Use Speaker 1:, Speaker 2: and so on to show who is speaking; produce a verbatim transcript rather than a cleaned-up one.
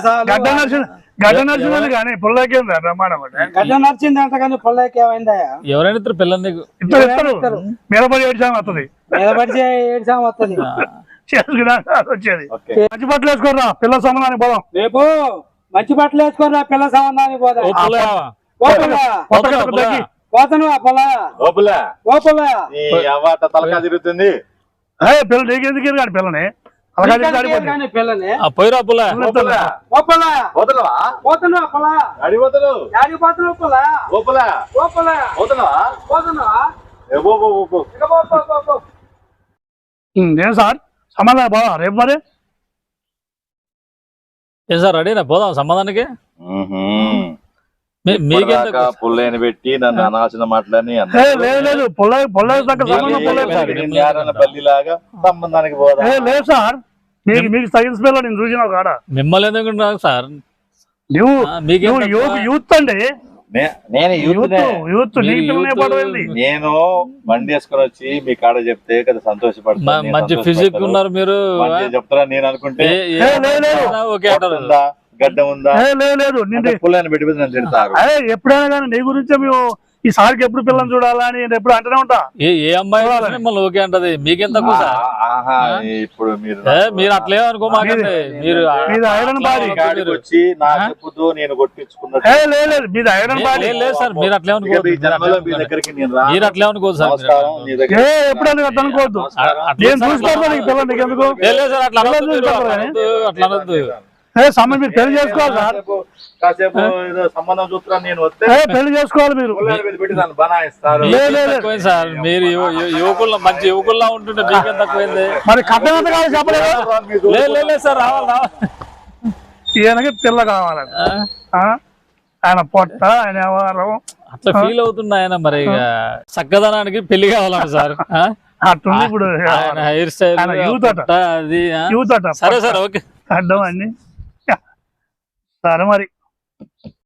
Speaker 1: గడ్డ నడిచింది గడ్డ నడిచిందని కానీ పుల్లకి బ్రహ్మాండం
Speaker 2: గడ్డ నడిచింది అంట కానీ పుల్లకి ఏమైందా?
Speaker 3: ఎవరైనా ఇద్దరు పిల్లల్ని
Speaker 1: ఇద్దరు ఇస్తారు మీదపడి ఏడ్చాము వస్తుంది
Speaker 2: నిలబడి ఏడ్చాము వస్తుంది
Speaker 1: వచ్చేది. మంచి బట్టలు వేసుకోరా పిల్ల సంబంధానికి పోదాం.
Speaker 2: రేపు మంచి బట్టలు వేసుకోరా పిల్ల సంబంధానికి పోదాం. పోతాను
Speaker 4: తలకా తిరుగుతుంది
Speaker 1: పిల్ల నీకెందుకు కానీ పిల్లని
Speaker 2: పిల్లని
Speaker 3: పోయిరా పుల్ల
Speaker 1: ఏం సార్ సంబంధం పోదా రేపు మరి
Speaker 3: ఏం సార్ రెడీనా పోదాం సంబంధానికి?
Speaker 4: పుల్లని పెట్టి నన్ను అనాల్సిన మాటలని
Speaker 1: లేదు
Speaker 4: పల్లిలాగా సంబంధానికి పోదా
Speaker 1: లేదు సార్. మీకు మీకు సైన్స్ పిల్ల నేను చూసిన కాడ
Speaker 3: మిమ్మల్ని ఎందుకు సార్
Speaker 1: నువ్వు యూత్ అండి.
Speaker 4: నేను యూత్
Speaker 1: యూత్
Speaker 4: నేను బండి వేసుకొని వచ్చి మీ కాడ చెప్తే కదా సంతోషపడతాను.
Speaker 3: మంచి ఫిజిక్ ఉన్నారు మీరు
Speaker 4: చెప్తారా నేను అనుకుంటే గడ్డ ఉందా
Speaker 1: లేదు
Speaker 4: పుల్లని పెట్టి నన్ను తిడతారు.
Speaker 1: ఎప్పుడైనా కానీ నీ గురించి మేము ఈ సార్కి ఎప్పుడు పిల్లని చూడాలా అని ఎప్పుడు అంటూనే ఉంటా.
Speaker 3: ఏ అమ్మాయి మిమ్మల్ని ఓకే అంటది మీకెంత
Speaker 4: ఇప్పుడు మీరు
Speaker 3: మీరు అట్లే అనుకో మాకండి. మీరు
Speaker 1: ఐరన్ బాడీ
Speaker 4: వచ్చి నా చెప్పుతో నేను కొట్టించుకున్నా
Speaker 1: లేదు మీది ఐరన్ బాడీ
Speaker 3: లేదు సార్. మీరు అట్లే అనుకో
Speaker 4: మీ దగ్గరికి
Speaker 3: మీరు అట్లే అనుకోదు సార్.
Speaker 1: ఎప్పుడైనా అట్లా అనుకోవద్దు. నేను చూసుకోవద్దు నీకు పిల్ల నీకు ఎందుకు
Speaker 3: లేదు సార్. అట్లా అట్లా అనొద్దు.
Speaker 1: సమయం మీరు పెళ్లి చేసుకోవాలి సార్.
Speaker 4: కాసేపు సంబంధం చూస్తున్నా నేను వస్తే
Speaker 1: పెళ్లి చేసుకోవాలి మీరు
Speaker 4: పెట్టి నన్ను బనాయిస్తారు
Speaker 3: సార్. మీరు యువకుల్లో మంచి యువకుల్లా ఉంటుంటే మీకేం తక్కువైంది
Speaker 1: మరి కట్టం ఎంత కావాలి చెప్పలేదు.
Speaker 3: లేదు సార్ రావాలి రావాలి.
Speaker 1: ఈయనకి పిల్ల కావాలని ఆయన పొట్ట ఆయన వ్యవహారం
Speaker 3: అట్లా ఫీల్ అవుతున్నా ఆయన. మరి చక్కదనానికి పెళ్లి కావాలంట సార్.
Speaker 1: అట్టుంది ఇప్పుడు
Speaker 3: హెయిర్ స్టైల్
Speaker 1: యూత్ అట
Speaker 3: అది
Speaker 1: యూత్ అట.
Speaker 3: సరే సార్ ఓకే
Speaker 1: అడ్డం అన్ని సరే మరి.